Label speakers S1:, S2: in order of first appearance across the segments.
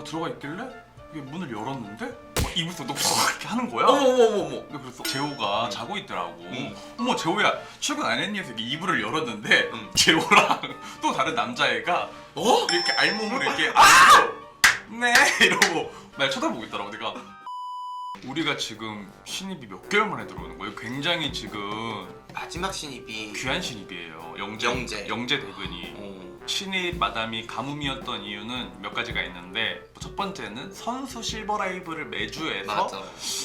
S1: 들어가 있길래 이게 문을 열었는데 이불 속 이렇게 하는 거야.
S2: 어머머머머.
S1: 그래서 재호가 자고 있더라고. 어머 재호야 출근 안 했니? 해서 이불을 열었는데 재호랑 또 다른 남자애가 이렇게 알몸을 이렇게 네 이러고 날 쳐다보고 있더라고. 내가 우리가 지금 신입이 몇 개월 만에 들어오는 거예요. 굉장히 지금
S2: 마지막 신입이
S1: 귀한 신입이에요. 영재 대근이. 신입 마담이 가뭄이었던 이유는 몇 가지가 있는데 첫 번째는 선수 실버라이브를 매주 해서
S2: 맞아.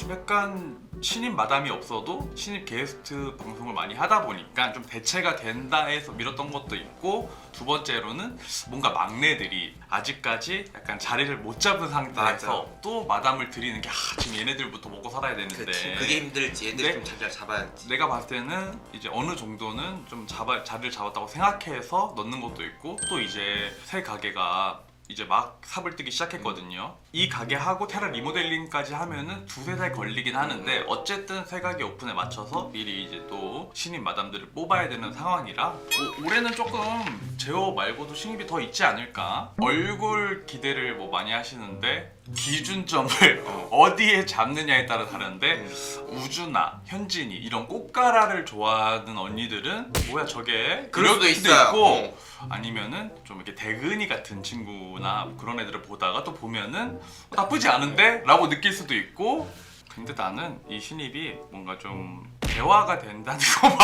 S1: 약간 신입 마담이 없어도 신입 게스트 방송을 많이 하다 보니까 좀 대체가 된다 해서 밀었던 것도 있고, 두 번째로는 뭔가 막내들이 아직까지 약간 자리를 못 잡은 상태에서
S2: 맞아.
S1: 또 마담을 드리는 게 지금 얘네들부터 먹고 살아야 되는데
S2: 그게 힘들지. 얘들
S1: 네?
S2: 좀 자리를 잡아야지.
S1: 내가 봤을 때는 이제 어느 정도는 좀 자리를 잡았다고 생각해서 넣는 것도 있고, 또 이제 새 가게가 이제 막 삽을 뜨기 시작했거든요. 이 가게하고 테라 리모델링까지 하면은 두세 달 걸리긴 하는데 어쨌든 새 가게 오픈에 맞춰서 미리 이제 또 신입 마담들을 뽑아야 되는 상황이라 뭐 올해는 조금 제호 말고도 신입이 더 있지 않을까. 얼굴 기대를 뭐 많이 하시는데 기준점을 어디에 잡느냐에 따라 다른데 우주나 현진이 이런 꽃가라를 좋아하는 언니들은 뭐야 저게
S2: 그럴 수도
S1: 이럴
S2: 있어요.
S1: 있고, 아니면은 좀 이렇게 대근이 같은 친구나 그런 애들을 보다가 또 보면은 나쁘지 않은데? 라고 느낄 수도 있고. 근데 나는 이 신입이 뭔가 좀 대화가 된다는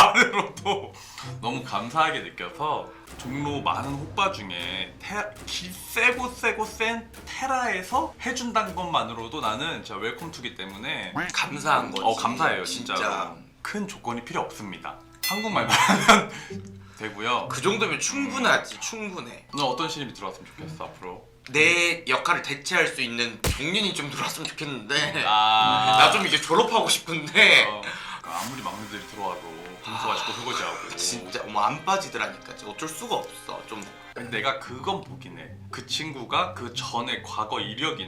S1: 것만으로도 너무 감사하게 느껴서 종로 많은 호빠 중에 세고 센 테라에서 해준다는 것만으로도 나는 진짜 웰컴 투기 때문에
S2: 감사한 거지.
S1: 감사해요 진짜. 큰 조건이 필요 없습니다. 한국말만 하면 되고요.
S2: 그 정도면 충분하지. 충분해.
S1: 너 어떤 신입이 들어왔으면 좋겠어 앞으로?
S2: 내 역할을 대체할 수 있는 종린이 좀 들어왔으면 좋겠는데
S1: 나
S2: 나 좀 이제 졸업하고 싶은데
S1: 아무리 막내들이 들어와도 분수 아직도 설거지하고
S2: 진짜 안 빠지더라니까. 진짜 어쩔 수가 없어. 좀
S1: 내가 그건 보긴 해. 그 친구가 그 전에 과거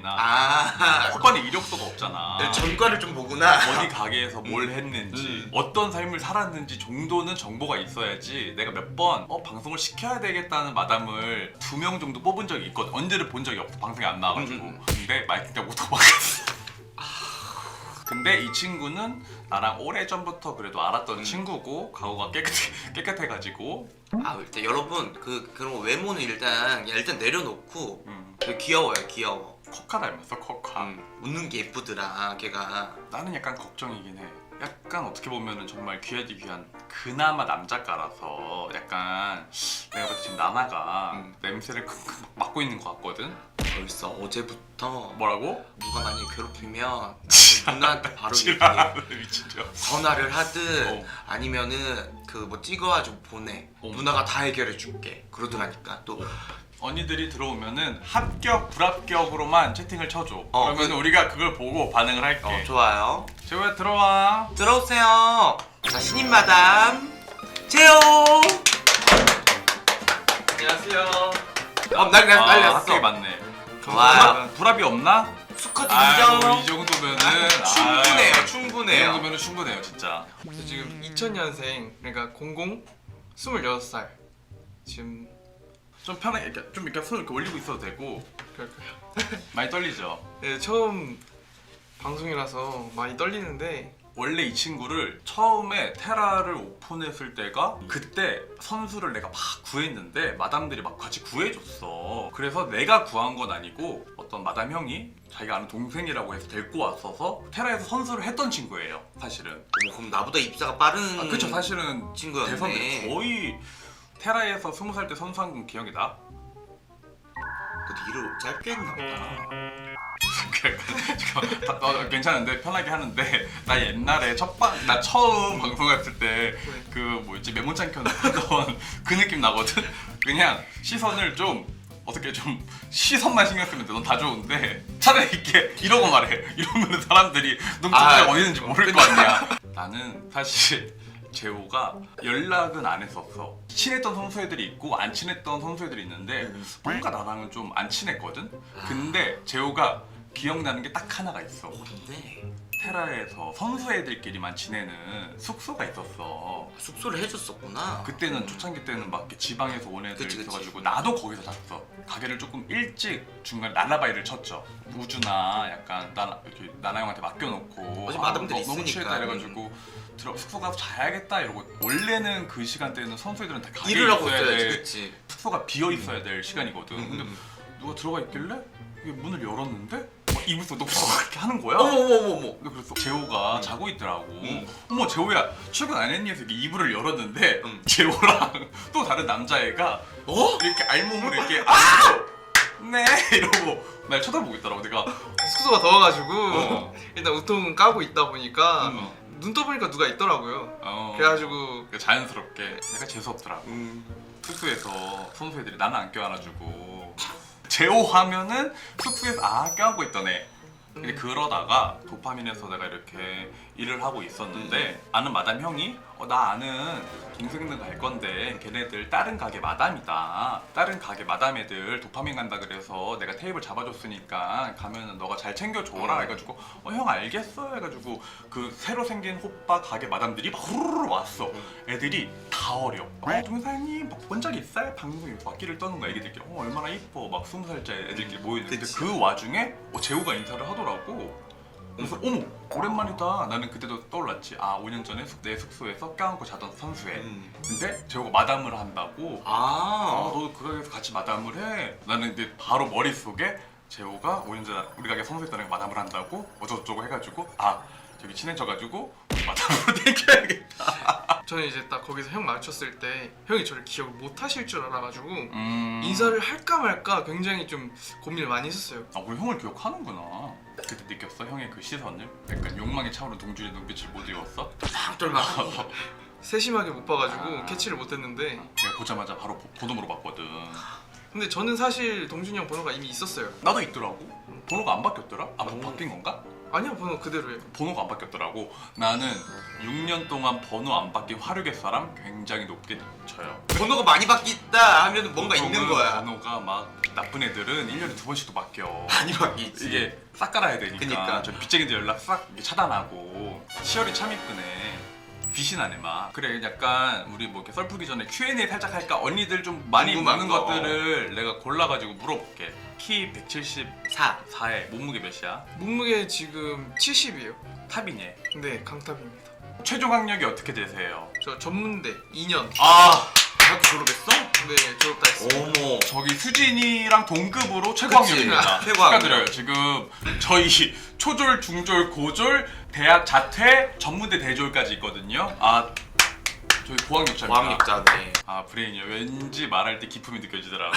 S1: 이력이나 오빠는 이력서가 없잖아.
S2: 전과를 좀 보구나.
S1: 어디 가게에서 뭘 했는지 어떤 삶을 살았는지 정도는 정보가 있어야지. 내가 몇 번 방송을 시켜야 되겠다는 마담을 2명 정도 뽑은 적이 있거든. 언제를 본 적이 없어. 방송에 안 나와가지고. 근데 마이크 떼고 도망갔어. 근데 이 친구는 나랑 오래전부터 그래도 알았던 친구고 과거가 깨끗해가지고
S2: 일단 여러분 그런 거 외모는 일단 내려놓고 귀여워요. 귀여워.
S1: 코카 닮았어 코카.
S2: 웃는 게 예쁘더라 걔가.
S1: 나는 약간 걱정이긴 해. 약간 어떻게 보면은 정말 귀하디 귀한 그나마 남자가라서 약간 내가 봤을 때 지금 나나가 냄새를 맡고 있는 것 같거든?
S2: 벌써 어제부터
S1: 뭐라고?
S2: 누가 많이 괴롭히면 누나한테 바로 얘기해.
S1: 미친 줄.
S2: 전화를 하든 아니면은 그 뭐 찍어가지고 보내. 누나가 다 해결해 줄게. 그러더라니까. 또
S1: 언니들이 들어오면은 합격, 불합격으로만 채팅을 쳐줘. 그러면 우리가 그걸 보고 반응을 할게.
S2: 좋아요.
S1: 재호야 들어와.
S2: 들어오세요. 자, 신입 마담 재호.
S3: 안녕하세요.
S2: 난리 났어.
S1: 합격이 맞네.
S2: 좋아요.
S1: 불합이 없나?
S2: 수컷
S1: 아이고
S2: 인정.
S1: 이 정도면은
S2: 충분해요.
S1: 이
S2: 충분해요.
S1: 정도면은 충분해요 진짜.
S3: 저 지금 2000년생, 그러니까 26살. 지금
S1: 좀 편하게 이렇게 손을 이렇게 올리고 있어도 되고.
S3: 그럴까요?
S1: 많이 떨리죠?
S3: 네, 처음 방송이라서 많이 떨리는데
S1: 원래 이 친구를 처음에 테라를 오픈했을 때가 그때 선수를 내가 막 구했는데 마담들이 막 같이 구해줬어. 그래서 내가 구한 건 아니고 어떤 마담 형이 자기가 아는 동생이라고 해서 데리고 왔어서 테라에서 선수를 했던 친구예요 사실은.
S2: 그럼 나보다 입사가 빠른.
S1: 그쵸 사실은
S2: 친구였네.
S1: 대선배 거의 테라에서 20살 때 선수한 건 기억이 나?
S2: 그래도 일을 짧게 했나 보다.
S1: 잠깐 괜찮은데 편하게 하는데 나 옛날에 나 처음 방송했을 때 그 뭐였지 메모장 켜놓던 그 느낌 나거든. 그냥 시선을 좀 어떻게 좀 시선만 신경 쓰면 돼. 넌 다 좋은데 차라리 이렇게 이러고 말해. 이러면 사람들이 눈빛이 어디 있는지 모를 거 아니야. 나는 사실 재호가 연락은 안 했었어. 친했던 선수애들이 있고 안 친했던 선수애들이 있는데 뭔가 나랑은 좀 안 친했거든. 근데 재호가 기억나는 게 딱 하나가 있어.
S2: 근데
S1: 테라에서 선수 애들끼리만 지내는 숙소가 있었어.
S2: 숙소를 해줬었구나.
S1: 그때는 초창기 때는 막 이렇게 지방에서 온 애들
S2: 그치.
S1: 있어가지고 나도 거기서 잤어. 가게를 조금 일찍 중간에 날라바이를 쳤죠. 우주나 약간 이렇게 나나 형한테 맡겨놓고
S2: 어차피 마담들이
S1: 너무
S2: 있으니까.
S1: 취했다 이래가지고 숙소 가서 자야겠다 이러고 원래는 그 시간대는 선수 애들은 다 가게에
S2: 일을 하고
S1: 있어야
S2: 있어야지,
S1: 돼.
S2: 그치.
S1: 숙소가 비어 있어야 될 시간이거든. 근데
S2: 음.
S1: 누가 들어가 있길래 이게 문을 열었는데 막 이불 속 이렇게 하는 거야.
S2: 어머머머머.
S1: 근데 그래서 재호가 자고 있더라고.
S2: 음.
S1: 어머 재호야 출근 안 했니? 해서 이렇게 이불을 열었는데
S2: 음.
S1: 재호랑 또 다른 남자애가
S2: 어?
S1: 이렇게 알몸으로 이렇게 네 이러고 날 쳐다보고 있더라고. 내가
S3: 숙소가 더워가지고
S1: 어.
S3: 일단 우통 까고 있다 보니까
S1: 음.
S3: 눈 떠보니까 누가 있더라고요. 그래가지고
S1: 자연스럽게 내가 재수 없더라고.
S2: 음.
S1: 숙소에서 선수 애들이 나는 안 껴안아주고 재호 하면은 숙소에서 껴안고 있던 애. 근데 그러다가 도파민에서 내가 이렇게 일을 하고 있었는데 아는 마담 형이 나 아는 동생들 갈 건데 걔네들 다른 가게 마담이다. 다른 가게 마담 애들 도파민 간다 그래서 내가 테이블 잡아줬으니까 가면은 너가 잘 챙겨줘라 해가지고 형 알겠어 해가지고 그 새로 생긴 호빠 가게 마담들이 막 후루루 왔어. 애들이 다 어려. 동생님 막 본적 있어요? 방송에 막기를 떠는 거야 애기들끼리. 얼마나 이뻐 막 20살짜리 애들끼리 모여있는데
S2: 그치.
S1: 그 와중에 재호가 인사를 하더라고. 그래서 어머 오랜만이다. 나는 그때도 떠올랐지. 5년 전에 내 숙소에서 껴안고 자던 선수애. 근데 재호가 마담을 한다고. 너도 그 가게에서 같이 마담을 해. 나는 이제 바로 머릿속에 재호가 5년 전에 우리 가게 선수했다는 마담을 한다고 어쩌고저쩌고 해가지고 저기 친해져가지고 마담으로 땡겨야겠다.
S3: 저는 이제 딱 거기서 형 마주쳤을 때 형이 저를 기억을 못 하실 줄 알아가지고
S1: 인사를
S3: 인사를 할까 말까 굉장히 좀 고민을 많이 했었어요.
S1: 우리 형을 기억하는구나. 그때 느꼈어? 형의 그 시선을? 약간 욕망에 차오른 동준의 눈빛을 못 읽었어?
S2: 똘막.
S3: 세심하게 못 봐가지고 캐치를 못했는데
S1: 내가 보자마자 바로 번호 물어봤거든.
S3: 근데 저는 사실 동준이 형 번호가 이미 있었어요.
S1: 나도 있더라고. 번호가 안 바뀌었더라? 바뀐 건가?
S3: 아니요, 번호 그대로예요.
S1: 번호가 안 바뀌었더라고. 나는 6년 동안 번호 안 바뀐 화류계 사람 굉장히 높게 쳐요.
S2: 번호가 많이 바뀌었다 하면 뭔가 있는
S1: 보통은
S2: 거야.
S1: 번호가 막 나쁜 애들은 1년에 2번씩도 바뀌어.
S2: 많이 바뀌지.
S1: 이게 싹 깔아야 되니까.
S2: 그니까.
S1: 저 빚쟁이들 연락 싹 이렇게 차단하고. 시열이 참 이쁘네. 빛이 나네 막. 그래 약간 우리 뭐 이렇게 썰 풀기 전에 Q&A 살짝 할까? 언니들 좀 많이
S2: 궁금한
S1: 묻는
S2: 거.
S1: 것들을 내가 골라가지고 물어볼게. 키
S2: 4.
S1: 174에 몸무게 몇이야?
S3: 몸무게 지금 70이에요.
S1: 탑이니?
S3: 네, 강탑입니다.
S1: 최종 학력이 어떻게 되세요?
S3: 저 전문대 2년.
S2: 대학교 졸업했어?
S3: 네, 졸업 다 했어요.
S2: 어머.
S1: 저기 수진이랑 동급으로 최고
S2: 그치.
S1: 학력입니다.
S2: 최고 학력.
S1: 축하드려요. 지금 저희 초졸, 중졸, 고졸, 대학 자퇴, 전문대 대졸까지 있거든요. 저희 고학력자입니다.
S2: 고학력자네.
S1: 브레인이요. 왠지 말할 때 기품이 느껴지더라고.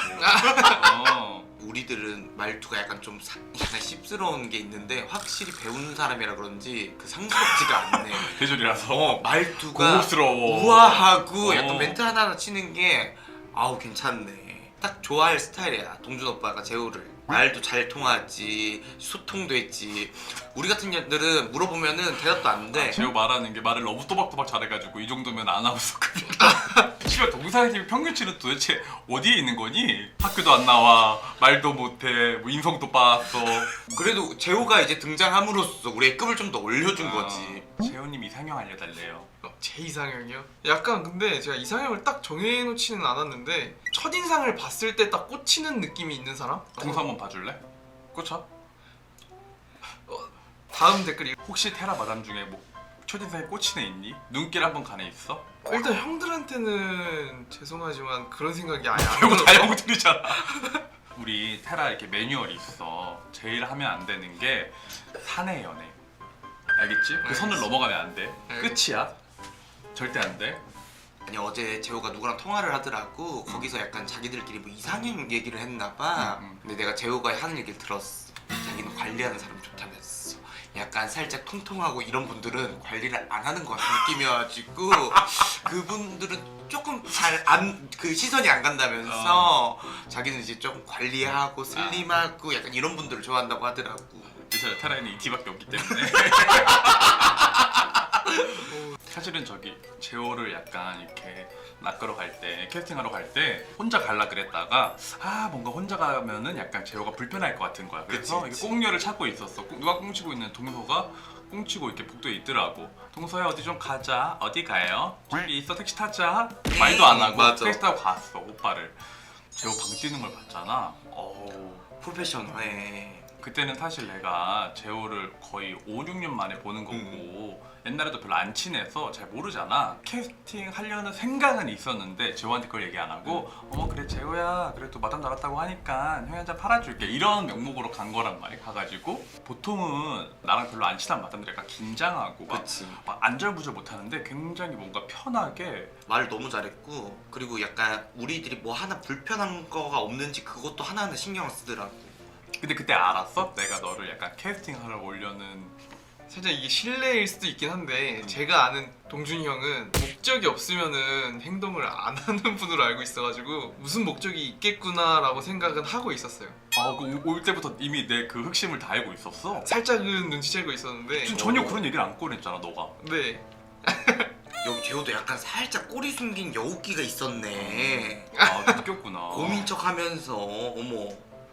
S2: 우리들은 말투가 약간 좀 약간 씹스러운 게 있는데 확실히 배우는 사람이라 그런지 그 상스럽지가 않네.
S1: 대졸이라서
S2: 말투가
S1: 고급스러워.
S2: 우아하고 약간
S1: 어.
S2: 멘트 하나하나 치는 게 괜찮네. 딱 좋아할 스타일이야. 동준 오빠가 재우를. 말도 잘 통하지, 소통도 했지. 우리 같은 년들은 물어보면은 대답도 안 돼.
S1: 제가 말하는 게 말을 너무 또박또박 잘해가지고 이 정도면 아나운서급이다. 씨발 동사님 평균치는 도대체 어디에 있는 거니? 학교도 안 나와, 말도 못해, 뭐 인성도 빠았어.
S2: 그래도 재호가 이제 등장함으로써 우리의 급을 좀 더 올려준 거지.
S1: 재호님 이상형 알려달래요.
S3: 제 이상형이요? 약간 근데 제가 이상형을 딱 정해놓지는 않았는데 첫인상을 봤을 때 딱 꽂히는 느낌이 있는 사람?
S1: 동서 한번 봐줄래? 꽂혀?
S3: 다음 댓글 읽...
S1: 혹시 테라 마담 중에 뭐 첫인상에 꽂힌 애 있니? 눈길 한번 간 애 있어?
S3: 일단 형들한테는 죄송하지만 그런 생각이 아예 안
S1: 이거 다
S3: 들어요.
S1: 형들이잖아. 우리 테라 이렇게 매뉴얼이 있어. 제일 하면 안 되는 게 사내 연애. 알겠지? 그 선을
S3: 알겠어.
S1: 넘어가면 안 돼.
S3: 알겠어.
S1: 끝이야. 절대 안 돼.
S2: 아니 어제 재호가 누구랑 통화를 하더라고. 거기서 약간 자기들끼리 뭐 이상형 얘기를 했나 봐. 근데 내가 재호가 하는 얘기를 들었어. 자기는 관리하는 사람 좋다면서. 약간 살짝 통통하고 이런 분들은 관리를 안 하는 것 같은 느낌이어가지고 그분들은 조금 잘 그 시선이 안 간다면서 자기는 이제 좀 관리하고 슬림하고 약간 이런 분들을 좋아한다고 하더라고.
S1: 괜찮아. 테라에는 이 티밖에 없기 때문에. 사실은 저기 제호를 약간 이렇게 낚으러 갈 때 캐스팅하러 갈 때 혼자 갈라 그랬다가 뭔가 혼자 가면은 약간 제호가 불편할 것 같은 거야. 그래서
S2: 그치, 그치.
S1: 이게 꽁녀를 찾고 있었어. 누가 꽁치고 있는 동서가 꽁치고 이렇게 복도에 있더라고. 동서야 어디 좀 가자. 어디 가요? 저기 있어 택시 타자. 말도 안 하고
S2: 맞아.
S1: 택시 타고 갔어 오빠를. 제호 방 뛰는 걸 봤잖아.
S2: 프로페셔널해.
S1: 그때는 사실 내가 제호를 거의 5, 6년 만에 보는 거고 옛날에도 별로 안 친해서 잘 모르잖아. 캐스팅 하려는 생각은 있었는데 제호한테 그걸 얘기 안 하고 그래 제호야 그래도 마담 나갔다고 하니까 형이 한 잔 팔아줄게 이런 명목으로 간 거란 말이야. 가가지고 보통은 나랑 별로 안 친한 마담들이 약간 긴장하고
S2: 그치.
S1: 막 안절부절 못하는데 굉장히 뭔가 편하게
S2: 말 너무 잘했고 그리고 약간 우리들이 뭐 하나 불편한 거가 없는지 그것도 하나하나 신경을 쓰더라고.
S1: 근데 그때 알았어? 내가 너를 약간 캐스팅하러 오려는
S3: 살짝 이게 실례일 수도 있긴 한데 제가 아는 동준이 형은 목적이 없으면은 행동을 안 하는 분으로 알고 있어가지고 무슨 목적이 있겠구나라고 생각은 하고 있었어요.
S1: 올 때부터 이미 내 그 흑심을 다 알고 있었어.
S3: 살짝은 눈치채고 있었는데
S1: 지금 전혀 그런 얘기를 안 꺼냈잖아 너가.
S3: 네.
S2: 여기 제호도 약간 살짝 꼬리 숨긴 여우끼가 있었네.
S1: 느꼈구나.
S2: 고민 척하면서 어머.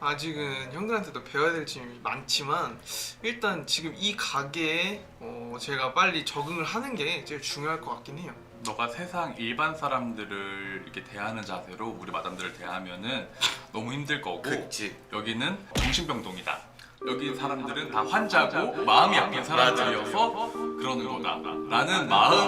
S3: 아직은 형들한테도 배워야 될 점이 많지만 일단 지금 이 가게에 제가 빨리 적응을 하는 게 제일 중요할 것 같긴 해요.
S1: 너가 세상 일반 사람들을 이렇게 대하는 자세로 우리 마담들을 대하면은 너무 힘들 거고
S2: 그치.
S1: 여기는 정신병동이다. 여기 사람들은 다 환자고 마음이 아픈 사람들이어서 그러는 거다 라는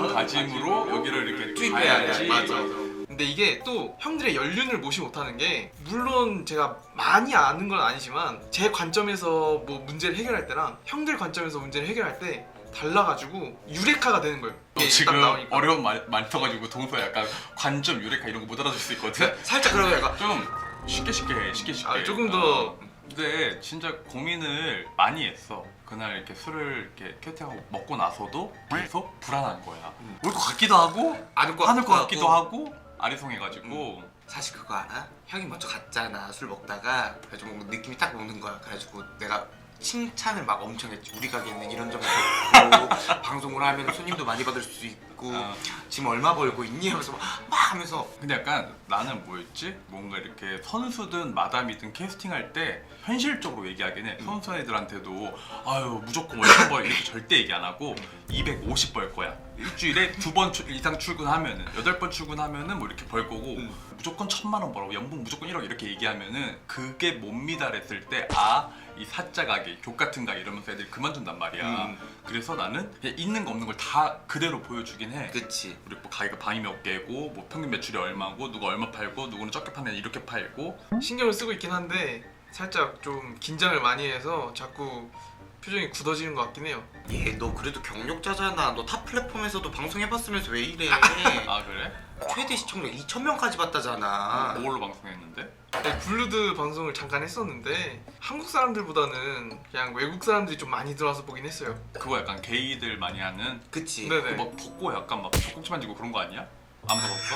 S1: 마음가짐으로 여기를 이렇게
S2: 투입해야지. 맞아.
S3: 근데 이게 또 형들의 연륜을 무시 못하는 게 물론 제가 많이 아는 건 아니지만 제 관점에서 뭐 문제를 해결할 때랑 형들 관점에서 문제를 해결할 때 달라가지고 유레카가 되는 거예요.
S1: 너
S3: 이게
S1: 지금
S3: 딱 나오니까.
S1: 어려운 말 많아가지고 동서 약간 관점 유레카 이런 거 못 알아줄 수 있거든.
S2: 살짝 그러면 약간
S1: 좀 쉽게 해.
S3: 조금 더
S1: 근데 진짜 고민을 많이 했어. 그날 이렇게 술을 이렇게 캐팅하고 먹고 나서도 계속 불안한 거야. 올 것 같기도 하고
S2: 안을 것
S1: 하는 것 같기도 하고 아리송해가지고
S2: 사실 그거 알아? 형이 먼저 갔잖아 술 먹다가 그래가지고 뭔가 느낌이 딱 오는 거야. 그래가지고 내가 칭찬을 막 엄청 했지. 우리 가게는 이런 점이 좋고 방송을 하면 손님도 많이 받을 수 있고 지금 얼마 벌고 있니? 하면서 막 하면서
S1: 근데 약간 나는 뭐였지? 뭔가 이렇게 선수든 마담이든 캐스팅할 때 현실적으로 얘기하긴 해. 선수 애들한테도 아유 무조건 월급 벌 이렇게 절대 얘기 안 하고 250 벌 거야. 일주일에 2번 이상 출근하면은 8번 출근하면은 뭐 이렇게 벌 거고 무조건 1,000만 원 벌고 연봉 무조건 1억 이렇게 얘기하면은 그게 못 미달했을 때 이 사짜 가게 족 같은 가 이러면서 애들이 그만둔단 말이야. 그래서 나는 그냥 있는 거 없는 걸 다 그대로 보여주긴 해.
S2: 그치.
S1: 우리 뭐 가게가 방이 몇 개고 뭐 평균 매출이 얼마고 누가 얼마 팔고 누구는 적게 파는 이렇게 팔고
S3: 신경을 쓰고 있긴 한데 살짝 좀 긴장을 많이 해서 자꾸 표정이 굳어지는 것 같긴 해요.
S2: 얘 너 그래도 경력자잖아. 너 탑 플랫폼에서도 방송해봤으면서 왜 이래?
S1: 그래?
S2: 최대 시청률 2,000명까지 봤다잖아.
S1: 뭘로 방송했는데?
S3: 네, 블루드 방송을 잠깐 했었는데 한국 사람들보다는 그냥 외국 사람들이 좀 많이 들어와서 보긴 했어요.
S1: 그거 약간 게이들 많이 하는
S2: 그치.
S3: 네네.
S1: 막 벗고 약간 막 젖꼭지 만지고 그런 거 아니야? 안 벗었어?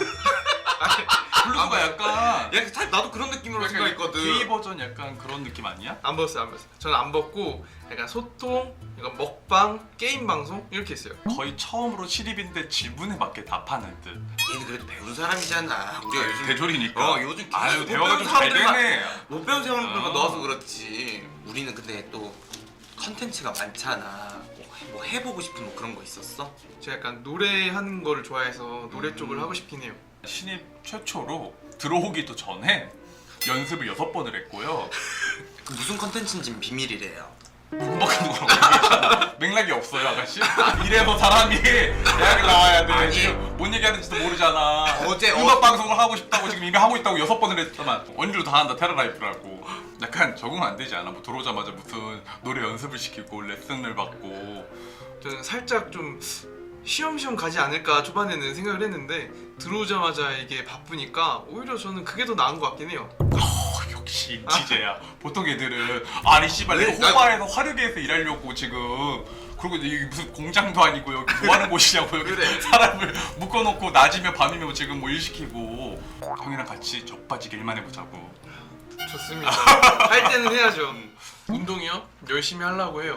S1: 블루가 약간
S2: 야, 사실 나도 그런 느낌으로 생각했거든.
S1: 게이 버전 약간 그런 느낌 아니야?
S3: 안 벗었어요. 저는 안 벗고 약간 소통, 약간 먹방, 게임 방송 이렇게 했어요.
S1: 거의 처음으로 실입인데 지분에 맞게 다 파는 듯.
S2: 얘는 그래도 배운 사람이잖아. 우리가 요즘
S1: 대졸이니까.
S2: 요즘
S1: 아유
S2: 계속
S1: 대화가 좀 잘 되네.
S2: 못 배운 사람들만 넣어서 그렇지. 우리는 근데 또 컨텐츠가 많잖아. 뭐 해보고 싶은 뭐 그런 거 있었어?
S3: 제가 약간 노래하는 거를 좋아해서 노래 쪽을 하고 싶긴 해요.
S1: 신입 최초로 들어오기도 전에 연습을 6번을 했고요.
S2: 그 무슨 컨텐츠인지는 비밀이래요.
S1: 음악하는 거라고 얘기했잖아. 맥락이 없어요 아가씨. 이래서 사람이 대학을 나와야 돼.
S2: 아니.
S1: 지금 뭔 얘기하는지도 모르잖아.
S2: 어제
S1: 음악 방송을 하고 싶다고 지금 이미 하고 있다고 6번을 했지만 원주로 다 한다. 테라라이프라고. 약간 적응 안 되지 않아? 뭐 들어오자마자 무슨 노래 연습을 시키고 레슨을 받고.
S3: 저는 살짝 좀 쉬엄쉬엄 가지 않을까 초반에는 생각을 했는데 들어오자마자 이게 바쁘니까 오히려 저는 그게 더 나은 것 같긴 해요.
S1: 역시 DJ야. 보통 애들은 아니 씨발 내가 호바에서 화력에서 일하려고 지금 그리고 여기 무슨 공장도 아니고 여기 뭐 하는 곳이냐고 여기
S2: 그래.
S1: 사람을 묶어놓고 낮이면 밤이면 지금 뭐 일 시키고 형이랑 같이 젖빠지게 일만 해보자고.
S3: 좋습니다. 할 때는 해야죠. 운동이요? 열심히 하려고 해요.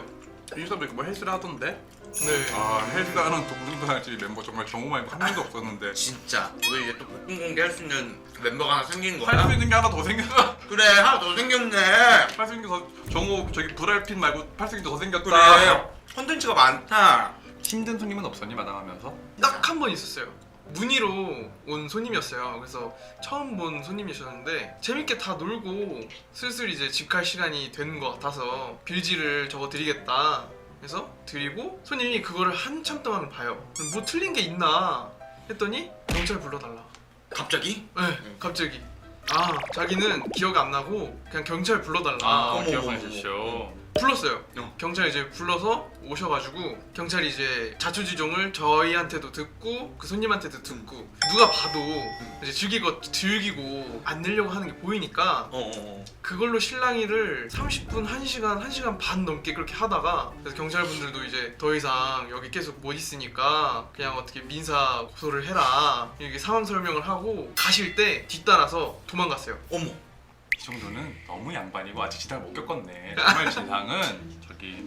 S1: 인스타 뭐 헬스를 하던데?
S3: 네.
S1: 아 헬스하는 동등동아지 멤버 정말 경험한 한 명도 없었는데
S2: 진짜 우리 이제 또 복근 공개 할 수 있는 멤버가 하나 생긴
S1: 할
S2: 거야.
S1: 수 있는 게 하나 더 생겼다.
S2: 그래 하나 더 생겼네.
S1: 할 수 있는 게 더 정호 저기 브랄핀 말고 할 수 있는 게 더 생겼다.
S2: 그래 콘텐츠가 많다.
S1: 힘든 손님은 없었니 마담하면서?
S3: 딱 한 번 있었어요. 문의로 온 손님이었어요. 그래서 처음 본 손님이셨는데 재밌게 다 놀고 슬슬 이제 집 갈 시간이 되는 것 같아서 빌지를 적어 드리겠다. 그래서 드리고 손님이 그거를 한참 동안 봐요. 뭐 틀린 게 있나 했더니 경찰 불러달라.
S2: 갑자기?
S3: 네, 갑자기. 아, 자기는 기억 안 나고 그냥 경찰 불러달라.
S1: 아
S2: 어머,
S1: 기억하셨죠.
S3: 불렀어요.
S2: 어.
S3: 경찰 이제 불러서 오셔가지고 경찰이 이제 자초지종을 저희한테도 듣고 그 손님한테도 듣고 누가 봐도 이제 즐기고 안 내려고 하는 게 보이니까 그걸로 실랑이를 30분, 1시간 반 넘게 그렇게 하다가 그래서 경찰분들도 이제 더 이상 여기 계속 못 있으니까 그냥 어떻게 민사 고소를 해라 이렇게 상황 설명을 하고 가실 때 뒤따라서 도망갔어요.
S2: 어머.
S1: 이 정도는 너무 양반이고 아직 지상을 못 겪었네. 정말 지상은 저기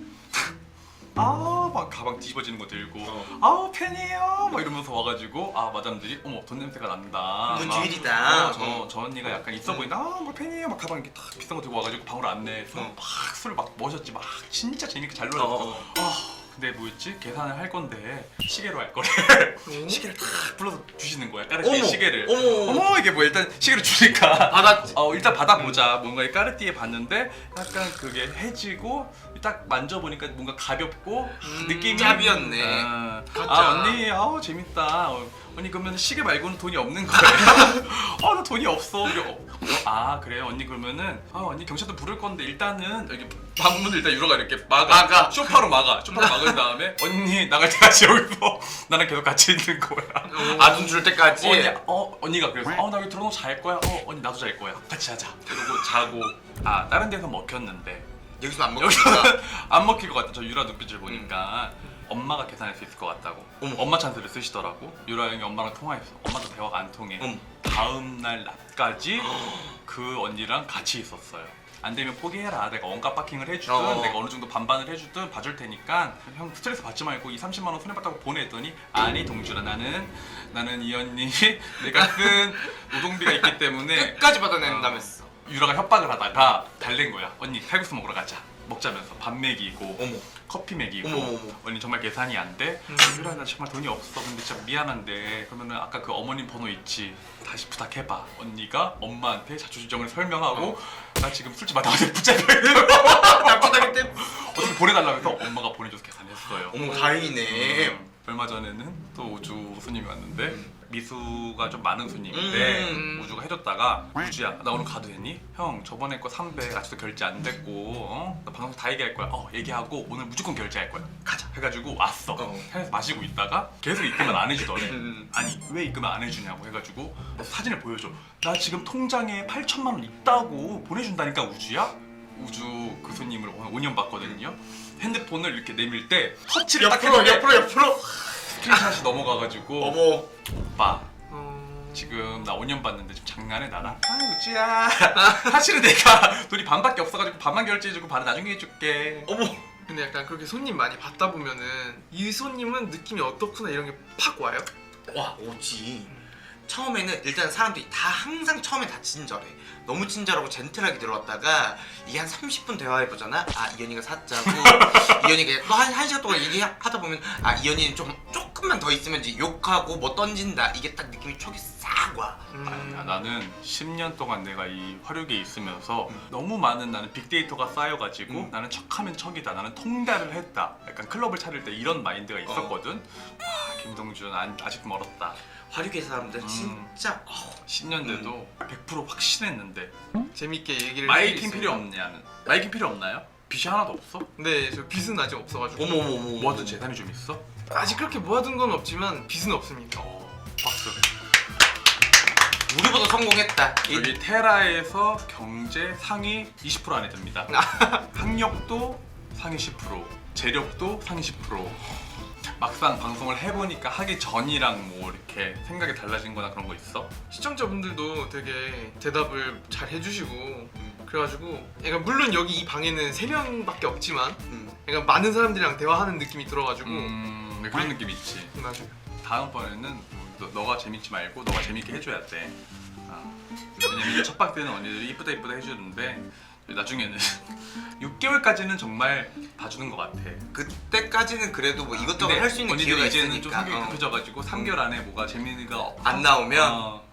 S1: 막 가방 뒤집어지는 거 들고 팬이에요 막 이러면서 와가지고 마담들이 어머 돈 냄새가 난다.
S2: 이건
S1: 막,
S2: 주일이다.
S1: 저 언니가 약간 있어 보인다. 뭐 팬이에요 막 가방 이렇게 딱 비싼 거 들고 와가지고 방으로 안내해서 막 술을 막 마셨지. 막 진짜 재밌게 잘 놀았어. 근데 뭐였지? 계산을 할 건데 시계로 할 거래. 시계를 딱 불러서 주시는 거야. 까르띠에
S2: 어머,
S1: 시계를.
S2: 어머.
S1: 이게 뭐 일단 시계를 주니까
S2: 받았지.
S1: 일단 받아보자. 뭔가 까르띠에 봤는데 약간 그게 해지고 딱 만져보니까 뭔가 가볍고 느낌이
S2: 짭이었네.
S3: 가짜.
S1: 언니 재밌다. 언니 그러면 시계 말고는 돈이 없는 거예요? 나 돈이 없어. 그래요 언니 그러면은 언니 경찰도 부를 건데 일단은 여기 방문을 일단 유로가 이렇게 막아. 쇼파로 막은 다음에 언니 나갈 때까지 여기서 나랑 계속 같이 있는 거야.
S2: 아둔 줄 때까지.
S1: 언니가 그래서 나 여기 들어놓고 잘 거야. 언니 나도 잘 거야. 같이 자자. 그러고 자고 다른 데서 먹혔는데
S2: 여기서 안
S1: 여기서
S2: 먹으니까.
S1: 안 먹힐 것 같다. 저 유라 눈빛을 보니까 엄마가 계산할 수 있을 것 같다고.
S2: 어머.
S1: 엄마 찬스를 쓰시더라고. 유라 형이 엄마랑 통화했어. 엄마도 대화가 안 통해.
S2: 어머.
S1: 다음 날 낮까지 그 언니랑 같이 있었어요. 안 되면 포기해라. 내가 원가 파킹을 해주든 내가 어느 정도 반반을 해주든 봐줄 테니까 형 스트레스 받지 말고 이 30만 원 손해봤다고 보내더니 아니 동준아 나는 이 언니 내가 쓴 노동비가 있기 때문에
S2: 끝까지 받아낸다면서.
S1: 유라가 협박을 하다가 달랜 거야. 언니 칼국수 먹으러 가자. 먹자면서 밥 먹이고
S2: 어머.
S1: 커피 먹이고
S2: 어머.
S1: 언니 정말 계산이 안 돼? 유라 나 정말 돈이 없어. 근데 진짜 미안한데 그러면은 아까 그 어머님 번호 있지? 다시 부탁해봐. 언니가 엄마한테 자초지종을 설명하고 나 지금 술집 마담한테 붙잡혀 있어.
S2: 납치당했 때.
S1: 어떻게 보내달라면서 엄마가 보내줘서 계산했어요.
S2: 어머 다행이네.
S1: 얼마 전에는 또 우주 손님이 왔는데 미수가 좀 많은 손님인데 우주가 해줬다가 우주야 나 오늘 가도 되니? 형 저번에 거 300 아직도 결제 안 됐고 나 방송 다 얘기할 거야. 얘기하고 오늘 무조건 결제할 거야. 가자 해가지고 왔어. 해서 마시고 있다가 계속 입금을 안 해주더래. 아니 왜 입금을 안 해주냐고 해가지고 사진을 보여줘. 나 지금 통장에 8천만 원 있다고 보내준다니까 우주야? 우주 그 손님을 오늘 5년 봤거든요. 핸드폰을 이렇게 내밀 때 터치를 딱 했는데
S2: 옆으로.
S1: 스크린샷이 넘어가가지고
S2: 어머.
S1: 오빠 지금 나 5년 봤는데 좀 장난해 나랑? 우주야 사실은 내가 돈이 반밖에 없어가지고 반만 결제해주고 반은 나중에 해줄게.
S2: 어머.
S3: 근데 약간 그렇게 손님 많이 받다 보면은 이 손님은 느낌이 어떻구나 이런 게 팍 와요?
S2: 와 오지. 처음에는 일단 사람들이 다 항상 처음에 다 친절해. 너무 친절하고 젠틀하게 들어왔다가 이게 한 30분 대화해보잖아. 이현이가 사짜고 이현이가 또 한 시간 동안 얘기하다 보면 이현이는 조금만 더 있으면 이제 욕하고 뭐 던진다. 이게 딱 느낌이 촉이 싹 와.
S1: 아니야 나는 10년 동안 내가 이 화력에 있으면서 너무 많은 나는 빅데이터가 쌓여가지고 나는 척하면 척이다. 나는 통달을 했다. 약간 클럽을 차릴 때 이런 마인드가 있었거든. 김동준 아직 멀었다.
S2: 화류계 사람들 진짜
S1: 10년 돼도 100% 확신했는데
S3: 재밌게 얘기를
S1: 마이킹
S3: 해주세요.
S1: 필요 없냐는. 마이킹 필요 없나요? 빚이 하나도 없어?
S3: 네, 저 빚은 아직 없어가지고
S2: 어머.
S1: 모아둔 재산이 좀 있어?
S3: 아직 그렇게 모아둔 건 없지만 빚은 없습니다.
S1: 박수.
S2: 우리보다 성공했다.
S1: 여기 테라에서 경제 상위 20% 안에 듭니다. 학력도 상위 10%, 재력도 상위 10%. 막상 방송을 해보니까 하기 전이랑 뭐 이렇게 생각이 달라진 거나 그런 거 있어?
S3: 시청자분들도 되게 대답을 잘 해주시고 그래가지고 그러니까 물론 여기 이 방에는 3명밖에 없지만 약간 많은 사람들이랑 대화하는 느낌이 들어가지고
S1: 네, 그런 느낌 있지.
S3: 맞아요.
S1: 다음번에는 너가 재밌지 말고 너가 재밌게 해줘야 돼. 왜냐면 첫 방 때는 언니들이 이쁘다 이쁘다 해주는데 나중에는 6개월까지는 정말 봐주는 것 같아.
S2: 그때까지는 그래도 뭐 이것저것
S1: 근데
S2: 할 수 있는
S1: 언니들이
S2: 기회가
S1: 이제는
S2: 있으니까
S1: 좀 성격이 급해져가지고 3개월 안에 뭐가 재미가
S2: 안 나오면